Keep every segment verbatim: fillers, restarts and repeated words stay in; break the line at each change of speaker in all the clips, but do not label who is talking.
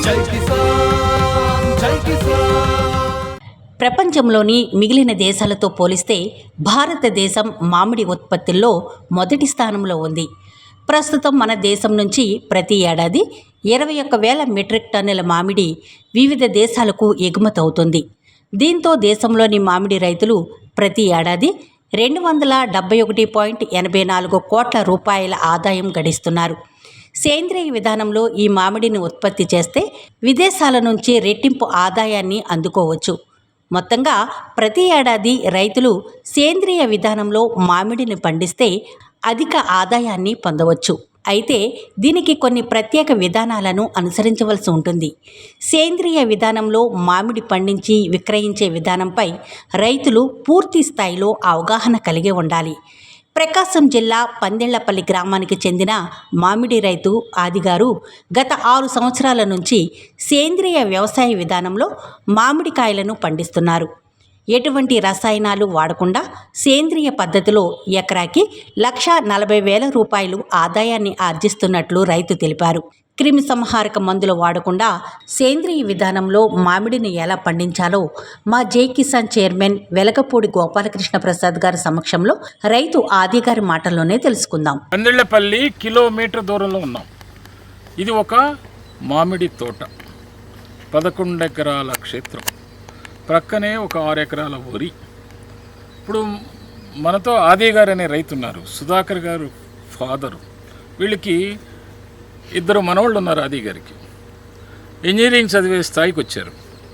జై కిసాన్ జై కిసాన్.
ప్రపంచంలోని మిగిలిన దేశాలతో పోలిస్తే భారతదేశం మామిడి ఉత్పత్తుల్లో మొదటి స్థానంలో ఉంది. ప్రస్తుతం మన దేశం నుంచి ప్రతి ఏడాది ఇరవై ఒక్క వేల మెట్రిక్ టన్నుల మామిడి వివిధ దేశాలకు ఎగుమతి అవుతుంది. దీంతో దేశంలోని మామిడి రైతులు ప్రతి ఏడాది రెండు వందల డెబ్బై ఒకటి పాయింట్ ఎనభై నాలుగు కోట్ల రూపాయల ఆదాయం గడిస్తున్నారు. సేంద్రియ విధానంలో ఈ మామిడిని ఉత్పత్తి చేస్తే విదేశాల నుంచి రెట్టింపు ఆదాయాన్ని అందుకోవచ్చు. మొత్తంగా ప్రతి ఏడాది రైతులు సేంద్రియ విధానంలో మామిడిని పండిస్తే అధిక ఆదాయాన్ని పొందవచ్చు. అయితే దీనికి కొన్ని ప్రత్యేక విధానాలను అనుసరించవలసి ఉంటుంది. సేంద్రియ విధానంలో మామిడి పండించి విక్రయించే విధానంపై రైతులు పూర్తి స్థాయిలో అవగాహన కలిగి ఉండాలి. ప్రకాశం జిల్లా పందిళ్లపల్లి గ్రామానికి చెందిన మామిడి రైతు ఆదిగారు గత ఆరు సంవత్సరాల నుంచి సేంద్రియ వ్యవసాయ విధానంలో మామిడికాయలను పండిస్తున్నారు. ఎటువంటి రసాయనాలు వాడకుండా సేంద్రియ పద్ధతిలో ఎకరాకి లక్ష నలభై వేల రూపాయలు ఆదాయాన్ని ఆర్జిస్తున్నట్లు రైతు తెలిపారు. క్రిమి సంహారక మందులు వాడకుండా సేంద్రియ విధానంలో మామిడిని ఎలా పండించాలో మా జై కిసాన్ చైర్మన్ వెలగపూడి గోపాలకృష్ణ ప్రసాద్ గారి సమక్షంలో రైతు ఆది గారి మాటల్లోనే తెలుసుకుందాం.
పందిళ్లపల్లి కిలోమీటర్ దూరంలో ఉన్నాం. ఇది ఒక మామిడి తోట, పదకొండు ఎకరాల క్షేత్రం, ప్రక్కనే ఒక ఆరు ఎకరాల వరి. ఇప్పుడు మనతో ఆది గారు అనే రైతు ఉన్నారు, సుధాకర్ గారు ఫాదరు. వీళ్ళకి ఇద్దరు మనవాళ్ళు ఉన్నారు. ఆది గారికి ఇంజనీరింగ్ చదివే స్థాయికి వచ్చారు.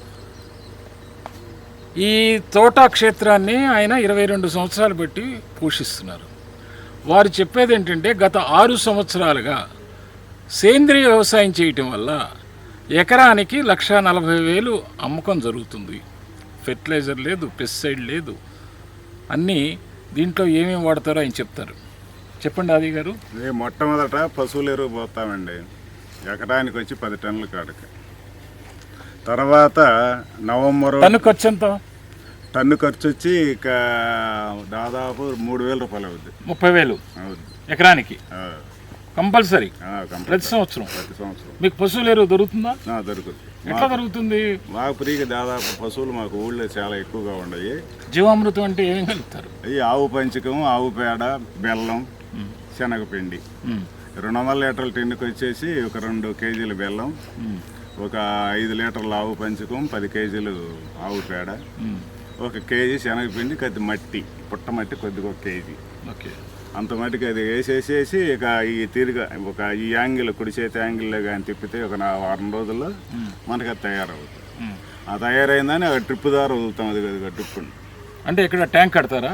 ఈ తోటా క్షేత్రాన్ని ఆయన ఇరవై రెండు సంవత్సరాలు బట్టి పోషిస్తున్నారు. వారు చెప్పేది ఏంటంటే గత ఆరు సంవత్సరాలుగా సేంద్రియ వ్యవసాయం చేయటం వల్ల ఎకరానికి లక్ష నలభై వేలు అమ్మకం జరుగుతుంది. ఫెర్టిలైజర్ లేదు, పెస్టిసైడ్ లేదు, అన్నీ దీంట్లో ఏమేమి వాడతారో ఆయన చెప్తారు. చెప్పండి ఆది గారు.
మొట్టమొదట పశువుల ఎరువు పోతామండి, ఎకరానికి వచ్చి పది టన్నుల కాడకి. తర్వాత నవంబర్
టన్ను ఖర్చు ఎంత?
టన్ను ఖర్చు వచ్చి ఇక దాదాపు మూడు వేల రూపాయలు అవుద్ది.
ముప్పై వేలు
అవుద్ది
ఎకరానికి కంపల్సరీ ప్రతి సంవత్సరం.
ప్రతి సంవత్సరం మీకు
పశువుల ఎరువు దొరుకుతుందా?
దొరుకుతుంది.
ఎట్లా దొరుకుతుంది?
మాకు ఫ్రీగా దాదాపు పశువులు మాకు ఊళ్ళో చాలా ఎక్కువగా ఉన్నాయి.
జీవామృతం అంటే ఏమేమి కలుపుతారు?
ఈ ఆవు పంచకం, ఆవు పేడ, బెల్లం, శనగపిండి. రెండు వందల లీటర్ల టిన్నుకి వచ్చేసి ఒక రెండు కేజీలు బెల్లం, ఒక ఐదు లీటర్ల ఆవు పంచకం, పది కేజీలు ఆవు పేడ, ఒక కేజీ శనగపిండి, కొద్ది మట్టి, పుట్ట మట్టి కొద్దిగా ఒక కేజీ.
ఓకే,
అంత మట్టికి అది వేసేసేసి ఇక ఈ తీరుగా ఒక ఈ యాంగిల్ కుడి చేతి యాంగిల్లో కానీ తిప్పితే ఒక నా వారం రోజుల్లో మనకి అది తయారవుతుంది. ఆ తయారైందని ఆ ట్రిప్ ద్వారా వదులుతాం. అది కదా ట్రిప్
అంటే ఇక్కడ ట్యాంక్ కడతారా?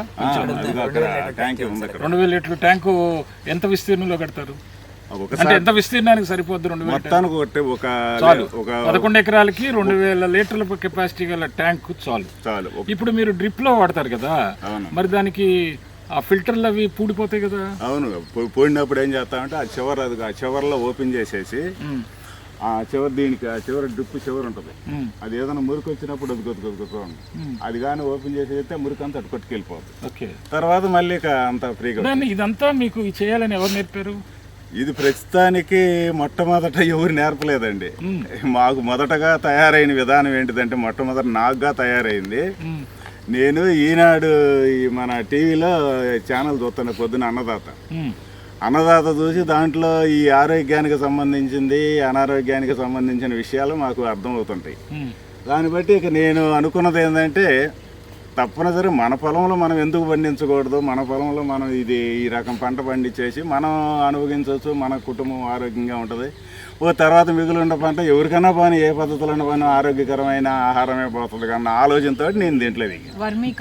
ట్యాంక్ ఉంది అక్కడ.
రెండు వేల లీటర్ల ట్యాంకు ఎంత విస్తీర్ణంలో కడతారు? అంటే ఎంత విస్తీర్ణానికి సరిపోద్ది? రెండు వేల
మొత్తానికి ఒకటి ఒక
ఒక పదకొండు ఎకరాలకి రెండు వేల లీటర్ల కెపాసిటీ గల ట్యాంక్ చాలు
చాలు.
ఇప్పుడు మీరు డ్రిప్ లో వాడతారు కదా, మరి దానికి ఆ ఫిల్టర్లు అవి పూడిపోతాయి కదా?
అవును, పోయినప్పుడు ఏం చేస్తామంటే ఆ చివరి అది ఆ చివరిలో ఓపెన్ చేసేసి ఆ చివరి దీనికి ఆ చివరి డ్రిప్ చివరి ఉంటుంది, అది ఏదైనా మురికి వచ్చినప్పుడు అది కొద్ది కొద్ది కొద్ది అది కానీ ఓపెన్ చేసేస్తే మురికి అంతా అటు కొట్టుకెళ్ళిపోతుంది.
ఓకే,
తర్వాత మళ్ళీ అంత ఫ్రీగా.
ఇదంతా మీకు చేయాలని ఎవరు నేర్పారు?
ఇది ప్రస్తుతానికి మొట్టమొదట ఎవరు నేర్పలేదండి. మాకు మొదటగా తయారైన విధానం ఏంటిదంటే మొట్టమొదట నాకుగా తయారైంది. నేను ఈనాడు ఈ మన టీవీలో ఛానల్ చూస్తాను పొద్దున, అన్నదాత అన్నదాత చూసి దాంట్లో ఈ ఆరోగ్యానికి సంబంధించింది, అనారోగ్యానికి సంబంధించిన విషయాలు మాకు అర్థమవుతుంటాయి. దాన్ని బట్టి ఇక నేను అనుకున్నది ఏంటంటే తప్పనిసరి మన పొలంలో మనం ఎందుకు పండించకూడదు, మన పొలంలో మనం ఇది ఈ రకం పంట పండించేసి మనం అనుభవించవచ్చు, మన కుటుంబం ఆరోగ్యంగా ఉంటుంది. ఓ తర్వాత మిగిలిన పంట ఎవరికైనా పని ఏ పద్ధతిలో పని ఆరోగ్యకరమైన ఆహారమే పోతుంది కన్నా ఆలోచనతో నేను దీంట్లో దిగా.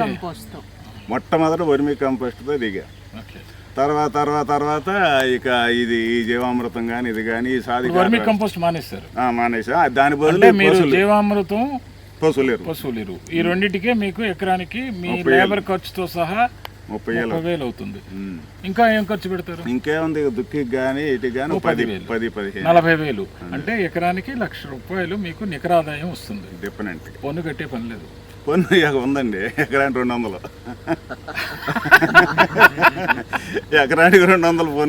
మొట్టమొదటి వర్మీ కంపోస్ట్తో దిగా. తర్వాత తర్వాత తర్వాత ఇక ఇది ఈ జీవామృతం కానీ ఇది కానీ సాధి
కంపోస్ట్ మానేస్తారు
మానేసా దాని బదులు
జీవామృతం,
పశువులేరు
పశువులేరు ఈ రెండింటికే మీకు ఎకరానికి మీ లేబర్ ఖర్చుతో సహా ముప్పై వేలు అవుతుంది. ఇంకా ఏం ఖర్చు పెడతారు?
ఇంకేముంది, దుక్కికి కానీ ఇటు కానీ పది పది పదిహేను
నలభై వేలు అంటే ఎకరానికి లక్ష రూపాయలు మీకు నికరాదాయం వస్తుంది.
డిఫరెంట్,
పన్ను కట్టే పని లేదు.
పన్ను ఉందండి, ఎకరానికి రెండు వందలు ఎకరానికి రెండు వందలు పన్ను.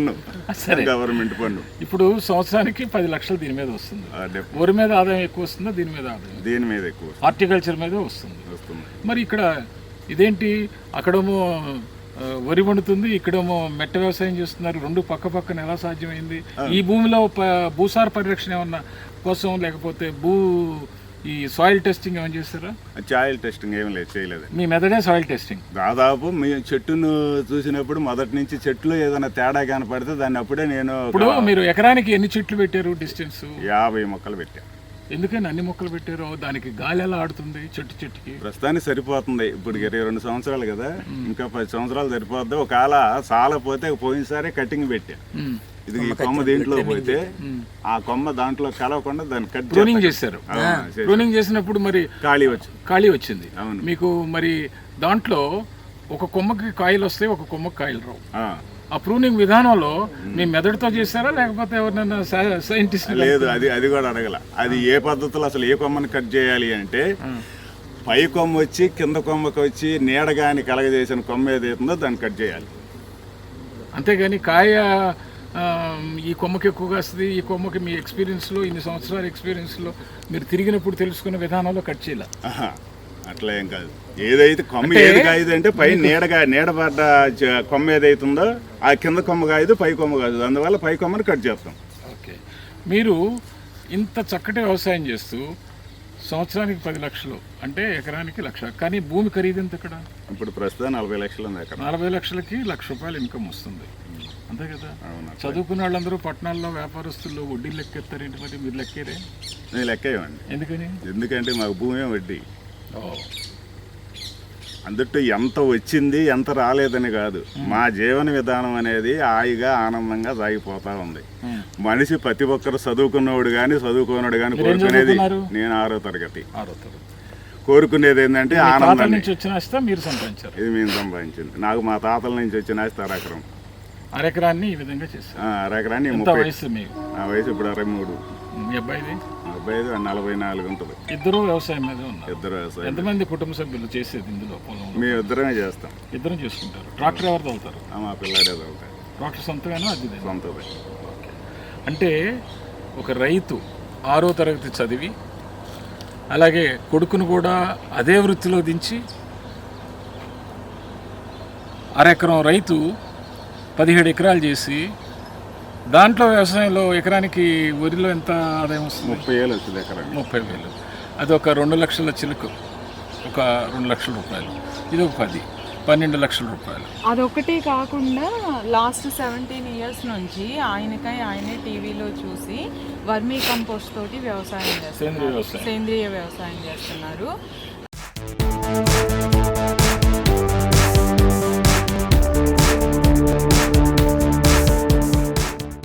సరే.
గవర్నమెంట్ పన్ను.
ఇప్పుడు సంవత్సరానికి పది లక్షలు దీని మీద వస్తుంది.
ఆ, డెప్-
వరి మీద ఆదాయం ఎక్కువ వస్తుందా, దీని మీద ఆదాయం?
దీని మీద ఎక్కువ
హార్టికల్చర్ మీద వస్తుంది.
వస్తుంది.
మరి ఇక్కడ ఇదేంటి, అక్కడేమో ఆ, వరి వండుతుంది, ఇక్కడేమో మెట్ట వ్యవసాయం చేస్తున్నారు, రెండు పక్క పక్కన ఎలా సాధ్యమైంది? ఈ భూమిలో ప- భూసార పరిరక్షణ ఏమన్నా కోసం, లేకపోతే భూ ఈ సాయిల్ టెస్టింగ్ ఏమైనా చేస్తారా?
సాయిల్ టెస్టింగ్ ఏం లేదు, చేయలేదు.
మీ మెదడే సాయిల్ టెస్టింగ్.
దాదాపు మీ చెట్టును చూసినప్పుడు మొదటి నుంచి చెట్లు ఏదైనా తేడా కనపడితే దాన్ని అప్పుడే నేను
ఇప్పుడు మీరు ఎకరానికి ఎన్ని చెట్లు పెట్టారు డిస్టెన్స్?
యాభై మొక్కలు పెట్టాను.
ఎందుకని అన్ని మొక్కలు పెట్టారు? దానికి గాలి ఎలా ఆడుతుంది చెట్టు చెట్టుకి?
ప్రస్తుతానికి సరిపోతుంది. ఇప్పుడు ఇరవై రెండు సంవత్సరాలు కదా, ఇంకా పది సంవత్సరాలు సరిపోద్ది. ఒకవేళ సాలపోతే పోయినసారి కటింగ్ పెట్టా.
ఉమ్.
ఇది ఈ కొమ్మ దీంట్లో పోతే ఆ కొమ్మ దాంట్లో కలవకుండా దాన్ని కట్
ప్రూనింగ్ చేశారు. ప్రూనింగ్ చేసినప్పుడు మరి
ఖాళీ వచ్చి
ఖాళీ వచ్చింది.
అవును.
మీకు మరి దాంట్లో ఒక కొమ్మకి కాయలు వస్తాయి, ఒక కొమ్మకి కాయలు రావు.
ఆ.
ఆ ప్రూనింగ్ విధానంలో మీ మెదడుతో చేశారా, లేకపోతే ఎవరినైనా సైంటిస్ట్?
లేదు, అది అది కూడా అడగల. అది ఏ పద్ధతిలో అసలు ఏ కొమ్మని కట్ చేయాలి అంటే, పై కొమ్మ వచ్చి కింద కొమ్మకి వచ్చి నీడగాని కలగజేసిన కొమ్మ ఏదైతుందో దాన్ని కట్ చేయాలి.
అంతేగాని కాయ ఆ, ఈ కొమ్మకి ఎక్కువగా వస్తుంది, ఈ కొమ్మకి మీ ఎక్స్పీరియన్స్లో, ఇన్ని సంవత్సరాల ఎక్స్పీరియన్స్లో మీరు తిరిగినప్పుడు తెలుసుకున్న విధానంలో కట్ చేయాలి.
ఆహా, అట్లా ఏం కాదు. ఏదైతే కొమ్మ ఏది కాయదు అంటే పై నీడగా నీడబడ్డ చ- కొమ్మ ఏదైతుందో ఆ కింద కొమ్మ కాయదు, పై కొమ్మ కాదు. అందువల్ల పై కొమ్మని కట్ చేస్తాం.
ఓకే. మీరు ఇంత చక్కటి వ్యవసాయం చేస్తూ సంవత్సరానికి పది లక్షలు అంటే ఎకరానికి లక్ష, కానీ భూమి ఖరీదు ఎంత ఇక్కడ?
ఇప్పుడు ప్రస్తుతం నలభై లక్షలు ఉంది అక్కడ.
నలభై లక్షలకి లక్ష రూపాయలు ఇన్కమ్ వస్తుంది, అంతే కదా?
అవును.
చదువుకున్న వాళ్ళందరూ పట్టణాల్లో వ్యాపారస్తులు వడ్డీ లెక్కెత్తారేంటి? మరి మీరు లెక్కేరే?
నేను లెక్కేయండి.
ఎందుకని?
ఎందుకంటే మాకు భూమి వడ్డీ.
ఓ,
అందుట్టు ఎంత వచ్చింది ఎంత రాలేదని కాదు, మా జీవన విధానం అనేది హాయిగా ఆనందంగా సాగిపోతా ఉంది. మనిషి ప్రతి ఒక్కరు చదువుకున్నవాడు కానీ చదువుకున్నాడు కానీ కోరుకునేది, నేను ఆరో తరగతి
ఆరో తరగతి.
కోరుకునేది ఏంటంటే
తాతల
ఆనందాన్ని.
నుంచి వచ్చిన ఆస్తి మీరు సంపాదించారు.
ఇది మేము సంపాదించింది. నాకు మా తాతల నుంచి వచ్చిన ఆస్తి అరెకరం.
అరెకరాన్ని ఈ విధంగా చేస్తారు.
ఆ, అరెకరాన్ని
ఎంత
ముప్పై.
వయసు మీకు?
నా వయసు ఇప్పుడు అరవై మూడు.
మీ అబ్బాయిది?
అరవై ఐదు నలభై నాలుగు ఉంటుంది.
ఇద్దరు వ్యవసాయం మీద ఉన్నారు.
ఇద్దరు వ్యవసాయం.
ఎంతమంది కుటుంబ సభ్యులు చేసేది ఇందులో పొలంలో?
మేము ఇద్దరమే చేస్తాం.
ఇద్దరం చేసుకుంటారు. ట్రాక్టర్ ఎవరు తోలుతారు?
ఆ, మా పిల్లాడే చదువుతాడు.
ట్రాక్టర్ సొంతమేనా అదిదే?
సొంతది.
అంటే ఒక రైతు ఆరో తరగతి చదివి అలాగే కొడుకును కూడా అదే వృత్తిలో దించి అరెకరం రైతు పదిహేడు ఎకరాలు చేసి దాంట్లో వ్యవసాయంలో ఎకరానికి వరిలో ఎంత ఆదాయం వస్తుంది?
ముప్పై ఏళ్ళు వచ్చింది ఎకరానికి.
ముప్పై వేలు. అది ఒక రెండు లక్షల చిలుకు, ఒక రెండు లక్షల రూపాయలు. ఇది ఒక పది పన్నెండు లక్షల రూపాయలు.
అదొకటి కాకుండా లాస్ట్ సెవెంటీన్ ఇయర్స్ నుంచి ఆయనకై ఆయనే టీవీలో చూసి వర్మీ కంపోస్ట్ తోటి వ్యవసాయం
సేంద్రియ
చేస్తున్నారు.
వ్యవసాయం.
సేంద్రియ వ్యవసాయం చేస్తున్నారు.